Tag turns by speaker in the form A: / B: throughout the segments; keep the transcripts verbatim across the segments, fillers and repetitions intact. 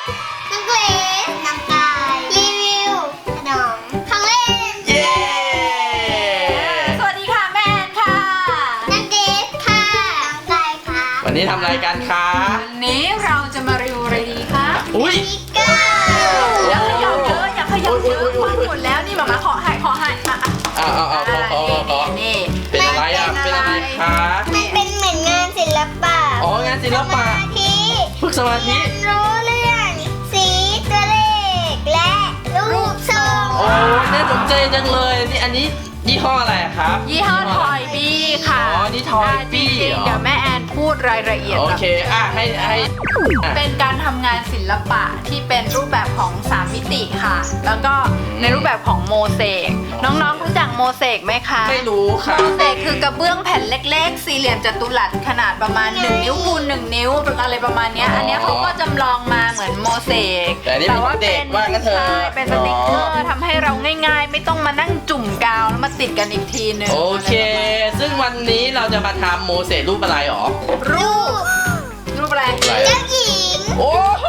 A: น้องเกรซน้องกายรีวิวขนมของเล่น
B: เย้
C: สวัสดีค่ะแม่แอนค่ะ
A: น้องเกรซค่ะน้องกายค่ะ
B: วันนี้ทำอะไรกันคะ
C: วันนี้เราจะมารีวิวอะไรดีคะ
B: อุ้ย
A: นิกเกอร์
C: อย่าเขย่าเยอะอย่าเขย่าเยอะควันหมดแล้วนี่หมามาขอให้ขอให้อ่ะอ่ะ
B: เอาเอาเอาขอขอขอ
C: นี่
B: เป็นอะไรอ่ะเป็นอะไรคะ
A: มันเป็นเหมือนงานศิลปะ
B: อ๋องานศิลปะ
A: สมาธิ
B: ฝึกสมาธิ
A: รู้เรื่องสีตัวเลขและรูปทรง
B: โอ้น่าสนใจจังเลยนี่อันนี้ยี่ห้ออะไรอะครับ
C: ยี่ห้อทอยบี้ค่ะ
B: อ๋อนี่ทอยบี้
C: จริง
B: เหรอ
C: ๆเดี๋ยวแม่แอนพูดรายละเอียด
B: โอเคอ่ะให้ให้อ่ะ
C: เป็นการทำงานศิลปะที่เป็นรูปแบบของสามมิติค่ะ แล้วก็ในรูปแบบของโมเสกน้องๆรู้จักโมเสกไหมคะ
B: ไม่รู้ค่ะ
C: โมเสกคือกระเบื้องแผ่นเล็กๆ สี่เหลี่ยมจัตุรัสขนาดประมาณหนึ่งนิ้วคูณหนึ่งนิ้วอะไรประมาณเนี้ย
B: อ๋ออั
C: อันเนี้ยเขาก็จำลองมาเหมือนโมเสก
B: แต่อันนี้เป็นเด็กว่างั้นเถอะ
C: ใช่เป็นสติกเกอร์ทำให้เราง่ายๆ ไม่ต้องมานั่งจุ่มกาวแล้วมาติดกันอีกทีนึง
B: โอเค ซึ่งวันนี้เราจะมาทำโมเสสรูปอะไรหรอ
C: รูปรูปอะไร
B: อะไร
A: เจ้า
B: อะ
A: หญิง
B: โอ้โห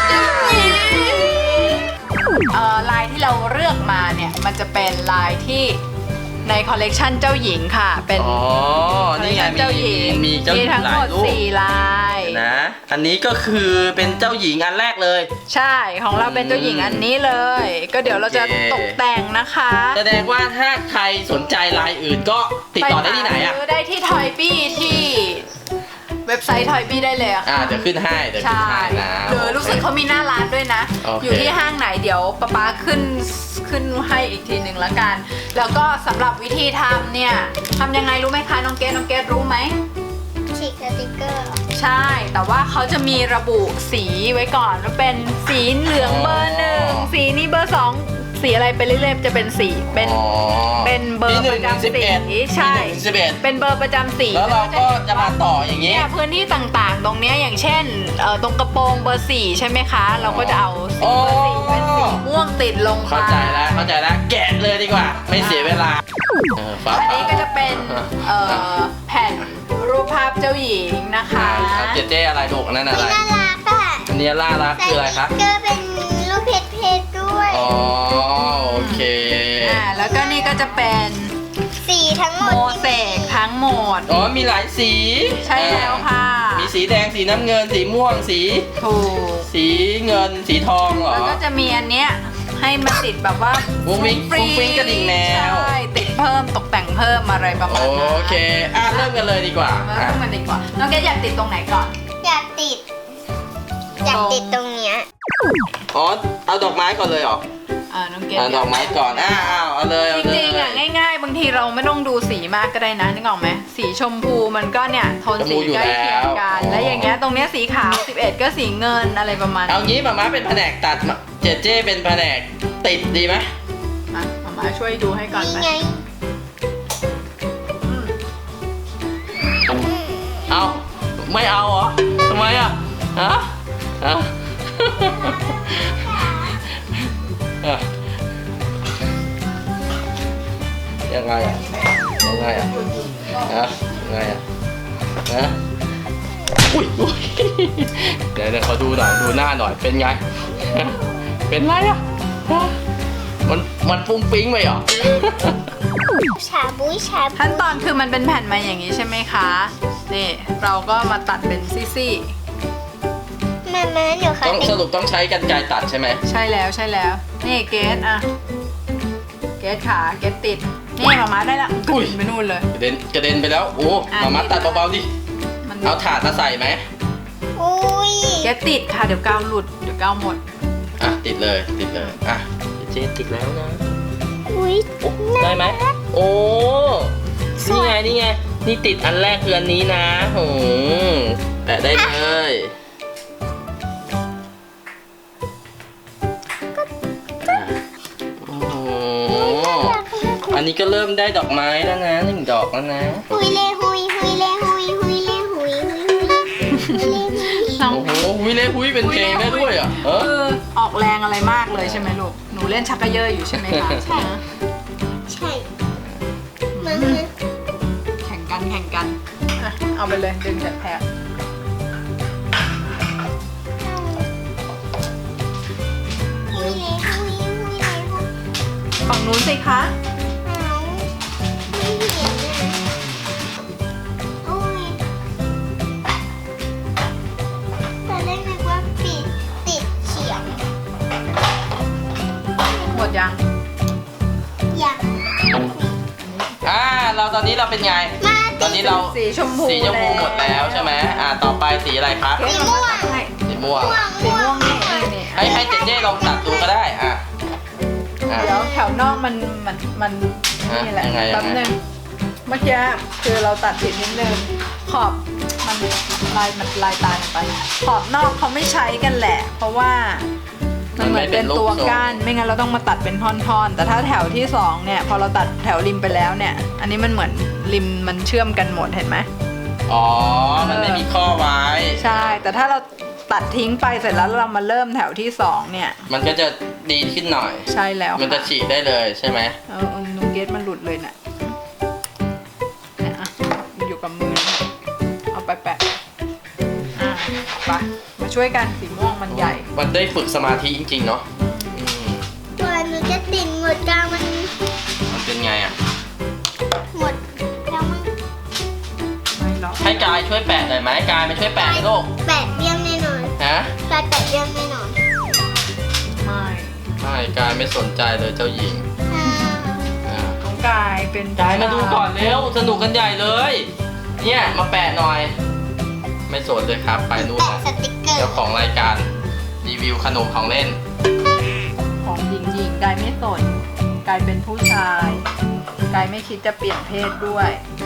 C: เอ่อลายที่เราเลือกมาเนี่ยมันจะเป็นลายที่ในคอลเลกชันเจ้าหญิงค่ะเป็น
B: อ๋อ นี่ไง
C: เจ้าห
B: มี
C: ญิง
B: มีเจ้าหญิง
C: ทั้ง
B: ห
C: หม
B: ลาย
C: ด
B: รูป
C: สี่ลาย
B: นะ อันนี้ก็คือเป็นเจ้าหญิงอันแรกเลย
C: ใช่ของเราเป็นเจ้าหญิงอันนี้เลย ก็เดี๋ยวเราจะ
B: โอเค
C: ตกแต่งนะคะ
B: แสดงว่าถ้าใครสนใจลายอื่นก็ติดต่อได้ที่ไหนอ่ะ
C: ปซื้ได้ที่ทอยบี้ที่เว็บไซต์ทอยบี้ได้เลยอะ
B: อ่า
C: ค่ะ
B: เดี๋ยวขึ้นให้เดี๋ยวขึ้น
C: ใช่
B: ให้นะ
C: หรือรู้สึกเขามีหน้าร้านด้วยนะ
B: โอเค
C: อยู่ที่ห้างไหนเดี๋ยวป๊าป๊าขึ้นขึ้นให้อีกทีหนึ่งละกัน แล้วก็สำหรับวิธีทำเนี่ยทำยังไงรู้ไหมคะน้องเกดน้องเกดรู้ไหม
A: ฉีกสติกเกอร์
C: ใช่ แต่ว่าเขาจะมีระบุสีไว้ก่อนว่าเป็นสีเหลืองเบอร์หนึ่งสีนี้เบอร์สองสีอะไรไปเรื่อยๆจะเป็นสีเป็น
B: อ๋อ
C: เป็นเบอร์
B: มีหนึ่ง
C: ประจำ
B: ถึงสิบเอ็ด
C: สีใช่
B: มีหนึ่งถึงสิบเอ็ด
C: เป็นเบอร์ประจำสี
B: แล้วเราก็จะมาต่ออย่างนี้
C: เนี่ยพื้นที่ต่างๆ ตรงเนี้ยอย่างเช่นเอ่อตรงกระโปรงเบอร์สี่ใช่ไหมคะ เราก็จะเอาสีเบอร์สี่เป็นสีม่วงติดลงไป
B: เข้าใจแล้วเข้าใจแล้วแกะเลยดีกว่า ไม่เสียเวลาเออฟ้า
C: อันนี้ก็จะเป็นเอ่อแผ่นรูปภาพเจ้าหญิงนะคะ
B: ครับเจ๊เจ๊อะไรลูกอันนั่นอะไร
A: น่ารักอ่ะ
B: อันนี้ล่ารักคืออะไรคะ
A: สติกเกอร์เป็นรูปเพชรเพชรด้วย
B: อ๋อโอเค
C: อ่าแล้วก็นี่ก็จะเป็น
A: สีทั้งหม
C: โม
A: ด
C: เสกทั้งหมด
B: อ๋อมีหลายสี
C: ใช่แล้วค่ะ
B: มีสีแดงสีน้ำเงินสีม่วงสี
C: ถูก
B: สีเงินสีทองเหรอ
C: แล้วก็จะมีอันเนี้ยให้มันติดแบบว่า
B: ฟุ้งฟิ้งฟุ้งฟิ้งกระดิ่งแมว
C: ใช่ติดเพิ่มตกแต่งเพิ่มอะไรประมาณนั้น
B: โอเคอ่ะเริ่มกันเลยดีกว่า
C: มา
B: อ่ะ
C: เริ่มกันดีกว่าน้องเกดอยากติดตรงไหนก่อน
A: อยากติด อยากติดตรงเนี้ย
B: อ๋อเอาดอกไม้ก่อนเลยเหรอ
C: อ่าน้องเกด
B: เอาดอกไม้ก่อนอ่ะเอาเอาเลย
C: จ
B: เอาเลย
C: ริงๆอ่ะง่ายๆ บางทีเราไม่ต้องดูสีมากก็ได้นะนึกออกไหมสีชมพูมันก็เนี่ยโทนสีใกล้เคียงกันแล้วอย่างเงี้ยตรงเนี้ยสีขาวสิบเอ็ดก็สีเงินอะไรประมาณ
B: เอางี้มาม่าเป็นแผนกตัดมาเจเจเป็นแผนกติดดีไหม
C: มามามาช่วยดูให้ก่อน
A: นี่
C: ไหม
A: ไง
B: เอาไม่เอาเหรอทำไมอ่ะฮะฮะอ่ะยังไงอ่ะยังไงอ่ะฮะยังไงอ่ะฮะอุ้ยอุ้ยเดี๋ยวเดี๋ยวขอดูหน่อยดูหน้าหน่อยเป็นไงฮะเป็นไรอ่ะฮะมันมันฟุ้งฟิ้งไปเหรอ
A: ชาบุ้ยชาบุ้
C: ขั้น
A: ย
C: ตอนคือมันเป็นแผ่นมาอย่างนี้ใช่ไหมคะนี่เราก็มาตัดเป็นซี่
A: แม่แม่หนูค่ะ
B: ต้องสรุปต้องใช้กรรไกรตัดใช่ไหม
C: ๆใช่แล้วใช่แล้วนี่เกสอ่ะเกสขาเกสติดนี่มามาได้ละกระดิ่งไปนู่นเลย
B: กระเด็นกระเด็นไปแล้วโอ้
C: อ่ะ
B: มามาตัดเบาๆดิ
C: มัน
B: เอาถาดมาใส่ไหม
A: อุ้ย
C: เกสติดค่ะเดี๋ยวกาวหลุดเดี๋ยวกาวหมด
B: อ่ะติดเลยติดเลยอ่ะเจ๊ติดแล้วนะ
A: อุ้ย
B: โอ้ได้ไหมโอ้นี่ไงนี่ไงนี่ติดอันแรกคืออันนี้นะโหแปะได้เลยอ่ะโอ้โหอันนี้ก็เริ่มได้ดอกไม้แล้วนะหนึ่งดอกแล้วนะ
A: หุยเลหุยหุยเลหุยหุยเลหุยหุยหุยเลหุย
C: น้อง
B: โอ้โหวิเล่หุยเป็นเพลงได้ด้วยเหรอ่ะเออ
C: คือออกแรงอะไรมากเลยใช่ไหมลูกหนูเล่นชักกระเยอะอยู่ใช่ไหมคะ
A: ใช่ ใช่มามา
C: แข่งกันแข่งกันอ่ะเอาไปเลยดึงจากแถบนู้นสิคะ
A: เอาไม่เห็นเลยโอ้ยตอนแรกนึกว่าปิดติดเฉียง
C: หมดยัง
A: อย่าง
B: อ่าเราตอนนี้เราเป็นไง
A: มา
B: ตอนนี้เรา
C: สีชมพู
B: สีชมพูหมดแล้วใช่ไหมอ่าต่อไปสีอะไรคะ
C: เกรซเอามาตัดให้
B: สีม่วง
C: สีม่วงนี่นี่นี่
B: ให้ให้เจเจลองตัดดูก็ได้อ่ะอ่ะ
C: เดี๋ยวแถวนอกมันมันมัน
B: ฮะ
C: นี่แหละ
B: ยังไงยังไง
C: แป๊บนึงเมื่อกี้คือเราตัดผิดนิดนึงขอบมันลายมันลายตาลงไป ขอบนอกเขาไม่ใช้กันแหละ เพราะว่ามันเหมือนเป็นตัวก้านไม่งั้นเราต้องมาตัดเป็นท่อนๆ แต่ถ้าแถวที่สองเนี่ยพอเราตัดแถวริมไปแล้วเนี่ย อันนี้มันเหมือนริมมันเชื่อมกันหมดเห็นไหม
B: อ๋อ มันไม่มีข้อไว้
C: ใช่ แต่ถ้าเราตัดทิ้งไปเสร็จแล้วเรามาเริ่มแถวที่สองเนี่ย
B: มันก็จะดีขึ้นหน่อย
C: ใช่แล้ว
B: มันจะ
C: ค่
B: ฉีกได้เลยใช่ไหม
C: เออเออนูเกตมันหลุดเลยน่ะเนี่ยอ่ะมันอยู่กับมือนะเอาไปแปะอ่ะไปมาช่วยกันสีม่วงมันใหญ่
B: มันได้ฝึกสมาธิจริงๆเนาะอืม
A: ตัวหนูจะติดหมดกลางมัน
B: มันเป็นไงอ่ะ
A: หมดแล้วมัน
C: ไม่หรอก
B: ให้กายช่วยแปะหน่อยไหมกายมาช่วยแปะหน่อยลูก
A: แปะเบี้ยงแน่นอน
B: ฮะ
A: กายแปะเบี้ยงแน่นอน
C: ไม่
B: ไม่กายไม่สนใจเลยเจ้าหญิง
A: อ่า
B: อ่า
C: น้องกายเป็น
B: กายมาดูก่อนเร็ว สนุกกันใหญ่เลย เนี่ยมาแปะหน่อย ไม่สนเลยครับ ไปนู่น
A: แปะ
B: นะ
A: สติกเกอร์
B: เจ้าของรายการรีวิวขนมของเล่น
C: ของหญิงหญิงกายไม่สนกายเป็นผู้ชายกายไม่คิดจะเปลี่ยนเพศด้วย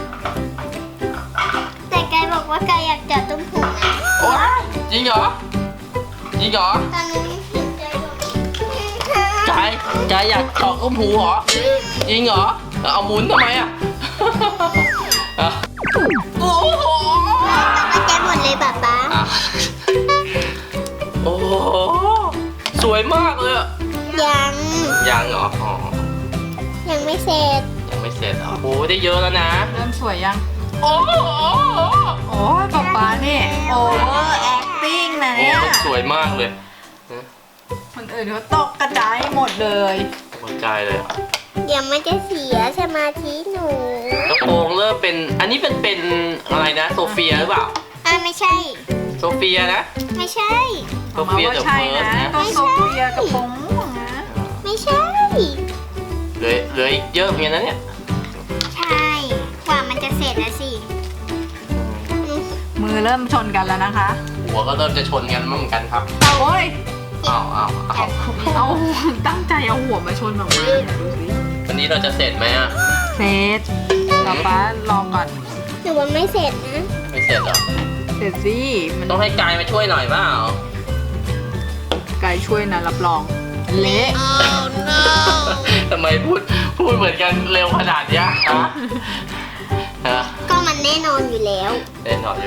A: แต่กายบอกว่ากายอยากเจาะตุ้มหูนะ
B: โอ้ยจริงเหรอ จริงเหรอ
A: ตอนนี้เห็นใจบอก
B: กายกายอยากเจาะก้มหูเหรอ จริงเหรอ เอาหมุนทำไมอ่ะ อ่ะโอ้โห
A: มาใจหมดเลยป๊าป๊า
B: อ่ะโอ้โห สวยมากเลยอะ
A: ยัง
B: ยังเหรออ๋อ
A: ยังไม่เสร็จ
B: ยังไม่เสร็จเหรอโอ้โหได้เยอะแล้วนะ
C: เริ่มสวยยัง
B: โอ้โห
C: โอ้ยป๊าป๊านี่โอเวอร์แอคติ้งนะ
B: โอ้
C: เนี่ย
B: โหสวยมากเลย
C: คนอื่นเขาตกกระจายหมดเลย
B: หัวใจเลยอะ
A: เดี๋ยวมันจะเสียสมาธิหนู
B: กระโปรงเริ่มเป็น อันนี้เป็นเป็นอะไรนะ โซเฟียหรือเปล่า
A: อ่ะไม่ใช่
B: โซเฟียนะ
A: ไม่ใช่
B: โซเฟีย
C: ว่า
B: เดอะ
C: ใช่
B: เฟิร์ส
C: นะ
B: นะ
C: ก็โซเฟียกับผมม่วงนะ
A: ไม่ใช่
B: เหลือเหลืออีกเยอะเหมือนกันนะเนี่ย
A: ใช่ กว่ามันจะเสร็จแล้วสิ
C: มือเริ่มชนกันแล้วนะคะ
B: หัวก็เริ่มจะชนกันมั่งกันครับ
C: โอ้ย
B: อ้าวอ้าวอ้าว
C: เอาตั้งใจเอาหัวมาชนออกมาดูสิ
B: วันนี้เราจะเสร็จไหมอ่ะ
C: เซตป๊าป๊ารอก่อน
A: หนูว่าไม่เสร็จนะ
B: ไม่เสร็จหรอ
C: เสร็จสิมัน
B: ต้องให้กายมาช่วยหน่อยเปล่า
C: ไกายช่วยนะรับรอง เละ
B: ทำไมพูดพูดเหมือนกันเร็วขนาดเนี้ยฮะฮะ
A: ก็มันแน่นอนอยู่แล้ว
B: เล่นหน่อยอยู่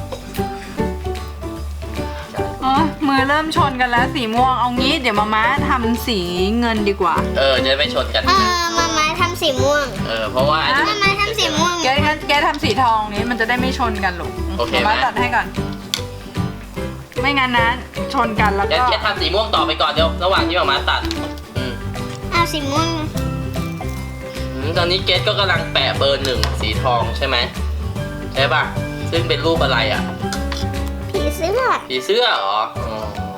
C: อ๋อมือเริ่มชนกันแล้วสีม่วงเอางี้เดี๋ยวมาม่าทำสีเงินดีกว่า
B: เออจะได้ไม่ชนกัน
A: เออมามาทำสีม่วง
B: เออเพราะว่าอันนี้
A: มามาทำสีม่วง
C: แกงั้นแกทำสีทองนี้มันจะได้ไม่ชนกันหรอก
B: โอเคไหม
C: มาม่าตัดให้ก่อน ไม่งั้นนะชนกันแล้ว
B: งั้น
C: ก็
B: แค่ทำสีม่วงต่อไปก่อนเดี๋ยวระหว่างที่หมามาตัดอืม
A: เอาสีม่วง
B: อืมตอนนี้เกสก็กำลังแปะเบอร์หนึ่งสีทองใช่ไหมใช่ป่ะซึ่งเป็นรูปอะไรอ่ะ
A: ผีเสื้อ
B: ผีเสื้อเหรออ๋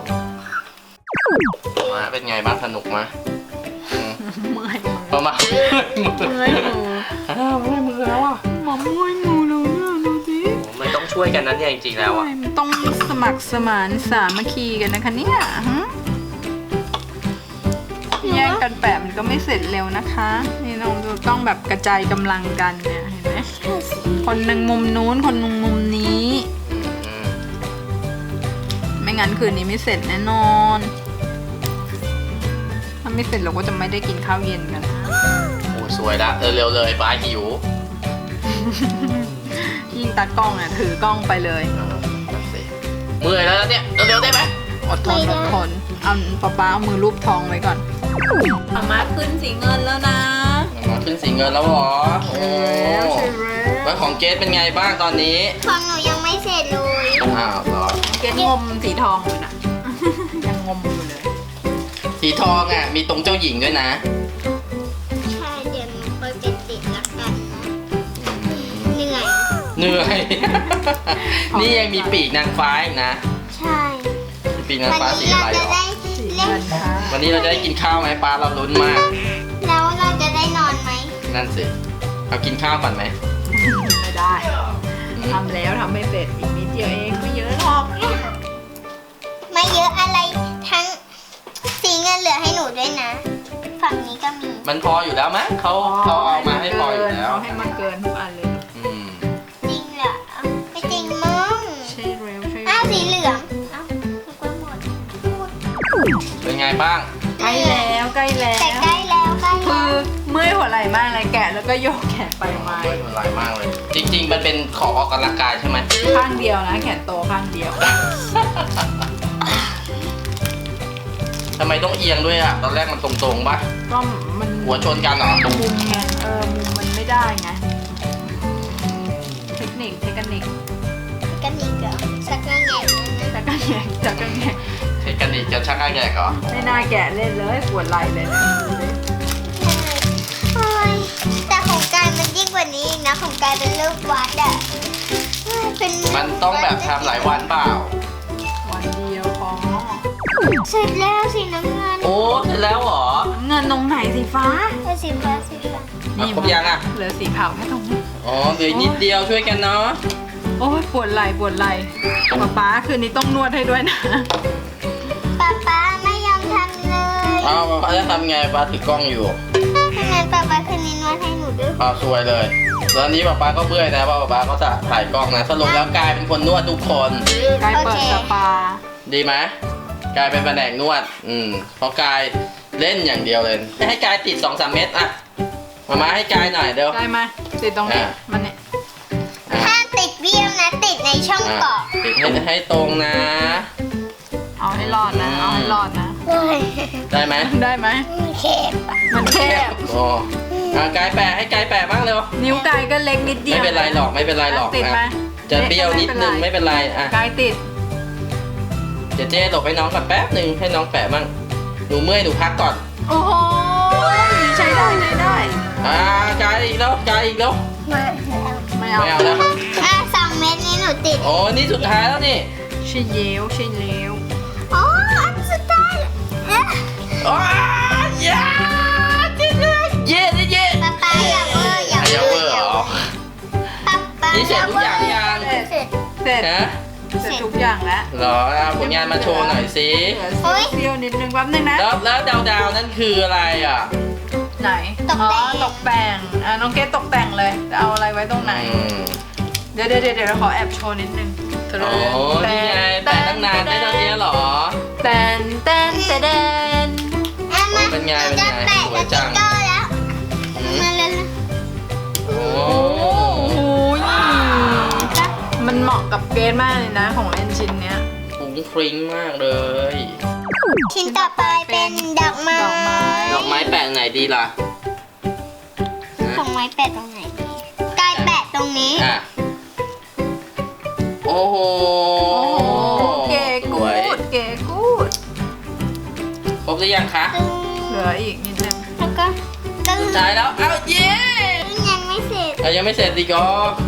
B: อมาเป็นไงบ้างสนุกไหมอืม
C: เมื่อยมือ
B: ประมาณ
C: เมื่อยมือ
B: อ้าวเมื่อยมือแล้วอ่ะ
C: หมอเมื่อยมือเลยเนี่ยดูสิ
B: มันต้องช่วยกันนั้นเนี่ยจริงๆแล้วอ่ะ
C: มันต้องสมัครสมานสามัคคีกันนะคะเนี่ยหึแย่งกันแปะมันก็ไม่เสร็จเร็วนะคะ นี่น้องดูต้องแบบกระจายกำลังกันเนี่ยเห็นไหมคนหนึ่งมุมนู้นคนหนึ่งมุมนี้
B: อืม
C: ไม่งั้นคืนนี้ไม่เสร็จแน่นอน ถ้าไม่เสร็จเราก็จะไม่ได้กินข้าวเย็นกัน
B: โอ้สวยละเร็วๆเลยป้าหิว
C: ยิ่งตากล้องอ่ะถือกล้องไปเลย
B: เออนั่นสิเมื่อยแล้วเนี่ยเร็วๆได้ไหม
C: อดทนอดทนเอาป๊าป๊าเอามือรูปทองไว้ก่อนอามาขึ้นสีเงินแล้วนะ
B: มาขึ้นสีเงินแล้วเหรอโอ้
C: แล้วใช่ไหม
B: แล้วของเกสเป็นไงบ้างตอนนี้
A: ของหนูยังไม่เสร็จเลย
B: อ้าวเหรอ
C: เกตงมสีทองอยู่นะ ยังงมอยู่เลย
B: สีทองอ่ะมีตรงเจ้าหญิงด้วยนะเหนื่อย นี่ยังมีปีกนางฟ้าอีกนะ
A: ใช่
B: มีปีกนาง
A: วัน
B: ฟ้าสี
A: นี้
B: อะ
A: เรา
B: ไร
A: จะ
B: หรอ
A: ได้
C: สี
A: เล่
C: เงิ
A: น
C: นค่ะ
B: วันนี้เราจะได้กินข้าวไหมปลาเราลุ้นมาก
A: แล้วเราจะได้นอนไหม
B: นั่นสิเอากินข้าวก่อนไหม
C: ไม่ได้ทำแล้วทำไม่เสร็จอีกนิดเดียวเองไม่เยอะหรอก
A: ไม่เยอะอะไรทั้งสีเงินเหลือให้หนูด้วยนะ ฝั่งนี้ก็มี
B: มันพออยู่แล้วมั้งเขาเขาเอามาให้พออยู่แล้ว
C: เขาให้มันเกินทุกอันเลย
B: อืม
A: จริงเหรอไม่จริงมั้ง
C: ใช่เร็วใช่
A: อ้าวสี
C: เร็ว
A: เหลืองอ้าวนึกว่าหมด
B: เป็นไงบ้าง
C: ใกล้แล้วใกล้แล้
A: แต่
C: ว
A: ใกล้แล้วใกล้
C: คื
A: แล้
C: อ
A: ว
C: เมื่อยหัวไหล่มากเลยแกะแล้วก็โยกแขนไปมา
B: ด้วยมันลายมากเลย จริง ๆ มันเป็นของออกกำลังกายใช่ไหม
C: ข้างเดียวนะแขนโตข้างเดียว
B: ทำไมต้องเอียงด้วยอ่ะ ตอนแรกมันตรงๆปะ
C: ก็มัน
B: หัวชนกันเหรอ
C: มุมไงเออมุมมันไม่ได้ไงเทคนิคเทคนิค
A: กันอีกเหรอสักงานใหญ่นะ
C: จากกันแงจากกันแง
B: เทคนิคจะชักอาแกกเหรอ
C: ไม่น่าแกะเล่นเลยปวดไหล่เลยนะ
A: โอ้ยแต่ของกายมันยิ่งกว่านี้อีกนะของกายเป็นรูปวัดอะเป็น
B: มันต้องแบบทำหลายวันเปล่า
C: วันเดียวพอ
A: เสร็จแล้วสีน้ำเงิน
B: โอ้เสร็จแล้วเหรอ
C: เงินตรงไหนสีฟ้า
A: เป็นสีฟ้าสีฟ้า
B: อ่ะครบยังอ่ะ
C: เหลือสีขาวแค่ตรงนี้
B: อ๋อเหลืออกนิดเดียวช่วยกันเนาะ
C: โอ้ยปวดไหล่ปวดไหล่ป๊าป๊าคืนนี้ต้องนวดให้ด้วยนะ
A: ป๊าป๊าไม่ยอมทำเลย
B: เอาป้าจะทำไงป้าถือกล้องอยู่
A: ถ้างั้นป๊าป๊าคืนนี้นวดให้หนูด้วย
B: ป้าซวยเลยตอนนี้ป้าป้าก็เบื่อนะเพราะป้าป้าก็จะถ่ายกล้องนะสรุปแล้วกลายเป็นคนนวดทุกคน
C: กายเปิดสปา
B: ดีไหมกลายเป็นแผนกนวด อืมเพราะกายเล่นอย่างเดียวเลยไม่ให้กายติดสองสามเม็ดอะมามาให้กายหน่อยเดี๋ยว
C: ได้ไหมติดตรงนี้
B: อ่ะ
C: มันเนี่ย
A: ห้ามติดเบี้ยวนะติดในช่อง
B: อ่ะ
A: เกาะ
B: ติดให้ให้ตรงนะ
C: เอาให้รอดนะ เอาให้รอดนะ
A: โอ้ย
B: ได้ไหม
C: ได้ไหม
A: เข็บอะ
C: มันแคบ
B: โอ้อ่ะกายแปะให้กายแปะบ้างเร็ว
C: นิ้วกายก็เล็กนิดเดียว
B: ไม่เป็นไรหรอกไม่เป็นไรหรอก
C: ติดไหม
B: อ่ะจะเบี้ยวนิดนึงไม่เป็นไรอ่ะ
C: กายติด
B: เดี๋ยวเจ๊หลบให้น้องก่อนแป๊บหนึ่งให้น้องแปะบ้างหนูเมื่อยหนูพักก่อน
C: โอ้โหใช้ได้ใช้ได้
B: อ่ากายอีกแล้วกายอีกแล้ว
A: มา
C: ไม่เอา
B: ไม่เอาแล้ว
A: อ่ะสองเม็ดนี้หนูติด
B: โอ้นี่สุดท้ายแล้วนี่
C: ใช่เย้วใช่เล้ว
A: อ๋ออันสุดท้ายเอ๊ะ
B: อ้าวเย้เย้เย้เย้
A: ป๊าป๊าอย่าเวอร์อย่า
B: อย่า
A: เว
B: เว
A: อ
B: อ
A: ร์
B: ร์เหรอ
A: ป๊าป๊า
B: นี่เสร็จทุกอย่างยัง
A: เสร็จ
C: เสร็จ
B: ฮะ
C: เสร็จทุกอย่างแล้ว
B: เหรอเอาผลงานมาโชว์หน่อยสิ
C: เหลือเสี้ยวๆนิดนึงแป๊บนึงนะ
B: แล้วแล้วดาวดาวๆนั่นคืออะไรอ่ะ
C: ไหน อ๋อ ตกแต่ง อ่ะ น้องเกดตกแต่งเลยจะเอาอะไรไว้ตรงไหน
B: อืม
C: เดี๋ยวเดี๋ยวเดี๋ยวขอแอบโชว์นิดนึง
B: โอ้นี่ไงแปะตั้งนานได้ตอนนี้เหรอ
C: แตนแตนแตน
A: อ่ะมา
B: เป็นไงเป็นไง
A: จะแปะ
B: สวยจัง
A: สติ๊กเกอร์แล้ว
B: อืม
A: มาเลย
B: โอ้
C: โอ้ยมันเหมาะกับเกดมากเลยนะ ของเล่นชิ้นเนี้ย
B: ฟุ้งฟริ้งมากเลย
A: ชิ้นต่อไปเป็นดอกไม้
C: ดอกไม้
B: ดอกไม้แปะไหนดีล่ะ
A: ดอกไม้แปะตรงไหนดีกายแปะตรงนี้
B: อ่ะ โอ้โห
C: โอ้โหเก๋
B: ส
C: กู
B: วย
C: ดเก๋กูด
B: ครบหรือยังคะ
A: ตึ้ง
C: เหลืออีกนิดนึง
A: แล้วก็ตึ้ง
B: สุดท้ายแล้ว เอ้าเย้
A: ยังไม่เสร็จ
B: อ่ะยังไม่เสร็จดีก็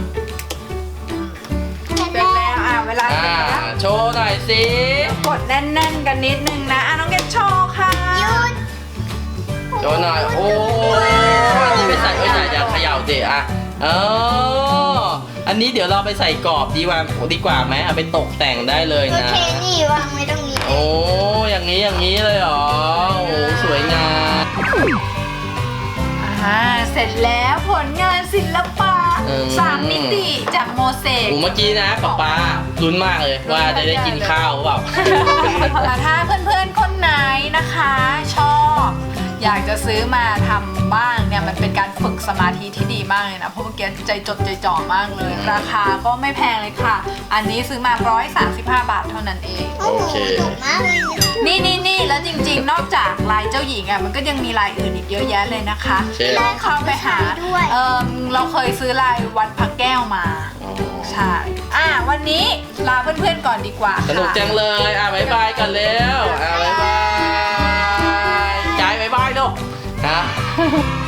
A: เสร็จ
C: เสร็จ
A: แล้ว
C: แล้ว อ่ะ เวลา
B: อ่า
C: เสร็จแล้ว
B: โชว์หน่อยสิ
C: กดแน่นๆกันนิดนึงนะ อ่ะ น้องเกดโชว์ค่ะ
A: หยุด
B: โชว์หน่อย โอ้อันนี้ไปใส่ไว้ไหนอย่าเขย่าสิอ่ะเอออันนี้เดี๋ยวเราไปใส่กรอบดีกว่าดีกว่าไหมเอาไปตกแต่งได้เลย
A: โอ
B: นะ
A: เคนี่วางไว้ตรงนี้
B: โอ้อย่างนี้อย่างนี้เลยเหรอ โอ้สวยงาม
C: อ่า เสร็จแล้วผลงานศิลปะ
B: อืม
C: สามมิติจากโมเสก
B: โอ้เมื่อกี้นะป๊าป๊าลุ้นมากเลยว่าจะได้กินข้าวหรือเปล่า
C: แต่ถ้าเพื่อนๆ คนไหนนะคะ ชอบอยากจะซื้อมาทำบ้างเนี่ยมันเป็นการฝึกสมาธิที่ดีมากเลยนะ เพราะเมื่อกี้ใจจดใจจ่อมากเลย ราคาก็ไม่แพงเลยค่ะ อันนี้ซื้อมาหนึ่งร้อยสามสิบห้าบาทเท่านั้นเอง
A: โอ้โห
B: โอเค
A: ถูกมากเลยนะ
C: นี่นี่นี่แล้วจริงๆ นอกจากลายเจ้าหญิงอ่ะมันก็ยังมีลายอื่นอีกเยอะแยะเลยนะคะ
B: เช่น
C: ลองเข้าไปหา
A: ด้วย
C: เออเราเคยซื้อลายวัดพระแก้วมา
B: อ๋อ
C: ใช่ อ่ะวันนี้ลาเพื่อนๆก่อนดีกว่า
B: สนุกจังเลย อ่ะบ๊ายบายกันแล้ว อ่ะบ๊ายบายกายบ๊ายบายลูกฮะ